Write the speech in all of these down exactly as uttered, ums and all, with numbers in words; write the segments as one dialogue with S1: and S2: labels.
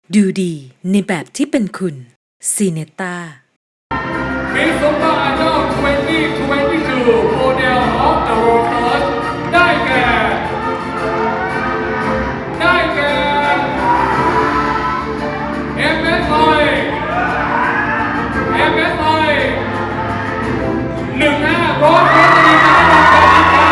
S1: ดูดีในแบบที่เป็นคุณซีเนต้า
S2: Miss Super Idol สองพันยี่สิบสอง Model of the Roses ได้แก่ ได้แก่ เอ็ม เอส ไอ เอ็ม เอส ไอ หนึ่งห้าโรสโรสลีนาดอนการิครับ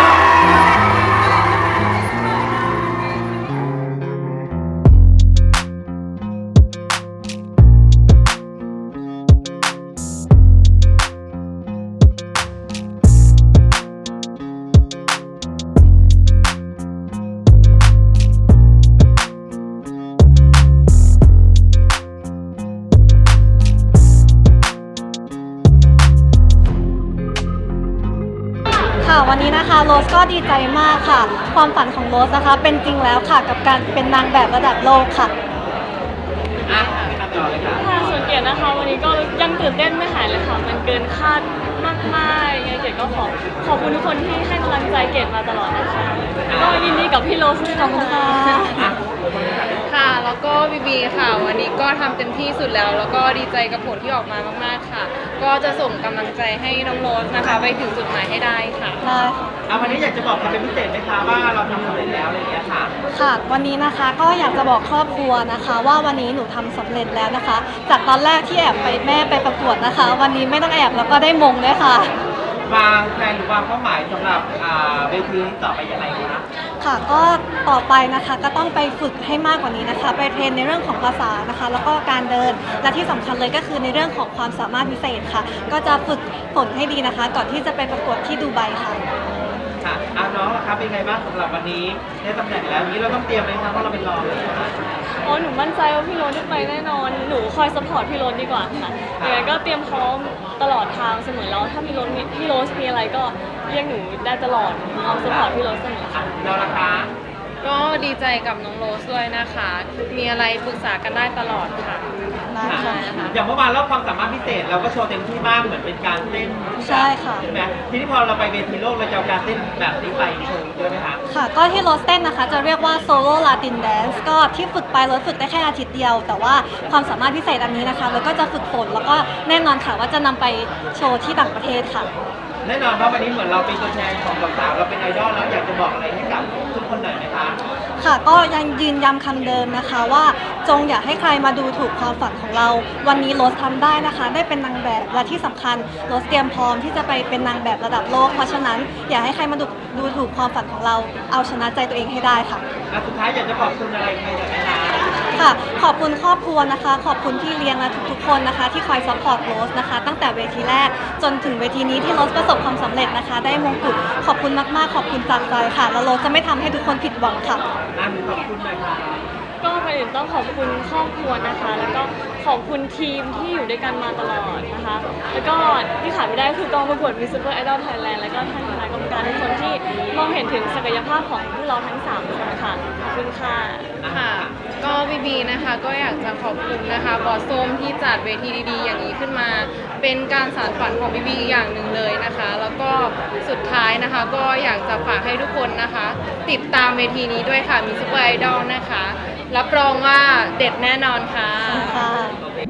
S3: ค่ะวันนี้นะคะโรสก็ดีใจมากค่ะความฝันของโรสนะคะเป็นจริงแล้วค่ะกับการเป็นนางแบบระดับโลกค่ะ
S4: ค่ะส่วนเกียรตินะคะวันนี้ก็ยังตื่นเต้นไม่หายเลยค่ะมันเกินคาดมากๆยังไงเกียรติก็ขอขอบคุณทุกคนที่ให้กำลังใจเกียรติมาตลอดนะคะก็ยินดีกับพี่โรสด้วยนะคะ
S5: ค่ะแล้วก็บีบีค่ะวันนี้ก็ทำเต็มที่สุดแล้วแล้วก็ดีใจกับผลที่ออกมามากๆค่ะก็จะส่งกำลังใจให้น้องโรสนะคะไปถึงจุดหมายให้ได้ค่ะ
S3: ได้ค่ะ
S6: เอาวันนี้อยากจะบอกใครเป็นพิเศษไหมคะว่าเราทำสำเร็จแล้วอะไรอย่างเงี้ยค่ะ
S3: ค่ะวันนี้นะคะก็อยากจะบอกครอบครัวนะคะ ว่าวันนี้หนูทำสำเร็จแล้วนะคะ จากตอนแรกที่แอบไปแม่ไปประกวดนะคะ วันนี้ไม่ต้องแอบแล้วก็ได้มงด้วยค่ะ
S6: วางแผนหรือวางเป้าหมายสำหรับอ่าเวทีนี้ต่อไปยังไงคะ
S3: ค่ะก็ต่อไปนะคะก็ต้องไปฝึกให้มากกว่านี้นะคะ ไปเทรนในเรื่องของภาษานะคะ แล้วก็การเดินและที่สำคัญเลยก็คือในเรื่องของความสามารถพิเศษค่ะ ก็จะฝึกฝนให้ดีนะคะ ก่อนที่จะไปประกวดที่ดูไบค่ะ
S6: ค่ะเอาน้องล่ะครับเป็นไงบ้างสำหรับวันนี้ได้ตำแหน่งแล้วนี้เราต้องเตรียมไหมคะเพราะเราเป็นรองเลยนะคะ
S4: โอ้หนูมั่นใจว่าพี่โรสได้ไปแน่นอนหนูคอยสปอร์ตพี่โรสดีกว่าค่ะยังไงก็เตรียมพร้อมตลอดทางเสมอแล้วถ้ามีโรสมีพี่โรสมีอะไรก็เรียกหนูได้ตลอดพร้อมสปอร์ตพี่โรสเสมอค่ะ
S6: เราล่ะคะ
S5: ก็ดีใจกับน้องโรสด้วยนะคะ มีอะไรปรึกษากันได้ตลอดค่ะ
S3: ได้
S6: ค่ะ
S3: ค่ะ
S6: อย่างเมื่อวานเราความสามารถพิเศษเราก็โชว์เต็มที่มากเหมือนเป็นการเต้น
S3: ใช่ค่ะ
S6: ใช่ไหมทีนี้พอเราไปเวทีโลกเราจะเอาการเต้นแบบนี้ไปโชว์ด้วยไหมคะ
S3: ค่ะก็ที่โรสเต้นนะคะจะเรียกว่าโซโล่ลาตินแดนซ์ก็ที่ฝึกไปโรสฝึกได้แค่อาทิตย์เดียว แต่ว่าความสามารถพิเศษอันนี้นะคะเราก็จะฝึกฝนแล้วก็แน่นอนค่ะว่าจะนำไปโชว์ที่ต่างประเทศค่ะ
S6: แน่นอนว่าวันนี้เหมือนเราเป็นตัวแทนของสาวๆเราเป็นไอดอลแล้วอยากจะบอกอะไรให้กับทุกคนหน่อยไหมคะ
S3: ค่ะก็ยังยืนย้ำคำเดิมนะคะว่าจงอย่าให้ใครมาดูถูกความฝันของเรา วันนี้โรสทำได้นะคะ ได้เป็นนางแบบและที่สำคัญโรสเตรียมพร้อมที่จะไปเป็นนางแบบระดับโลก เพราะฉะนั้นอย่าให้ใครมาดูดูถูกความฝันของเราเอาชนะใจตัวเองให้ได้ค่ะ
S6: และสุดท้ายอยากจะขอบคุณอะไรใครหน่อยไหมคะ
S3: ค่ะขอบคุณครอบครัวนะคะ ขอบคุณที่เลี้ยงและทุกๆคนนะคะ ที่คอยซัพพอร์ตโรสนะคะ ตั้งแต่เวทีแรกจนถึงเวทีนี้ที่โรสประสบความสำเร็จนะคะ ได้มงกุฎขอบคุณมากๆ ขอบคุณจากใจค่ะ แล้วโรสจะไม่ทำให้ทุกคนผิดหวังค่ะ
S6: อ่ะหนูขอบคุณหน่อยค่ะ
S4: ก็ก่อนอื่นต้องขอบคุณครอบครัวนะคะ แล้วก็ขอบคุณทีมที่อยู่ด้วยกันมาตลอดนะคะ แล้วก็ที่ขาดไม่ได้คือกองประกวด Miss Super Idol Thailand แล้วก็ท่านคณะกรรมการทุกคนที่มองเห็นถึงศักยภาพของพวกเราทั้งสามคนค่ะขอบคุณค่ะ
S5: ค่ะ ก็บีบีนะคะก็อยากจะขอบคุณนะคะบอสส้มที่จัดเวทีดีๆ อย่างนี้ขึ้นมา เป็นการสานฝันของบีบีอย่างหนึ่งเลยนะคะ แล้วก็สุดท้ายนะคะก็อยากจะฝากให้ทุกคนนะคะ ติดตามเวทีนี้ด้วยค่ะมีซุปเปอร์ไอดอลนะคะ รับรองว่าเด็ดแน่นอนค่ะ
S3: ค่ะ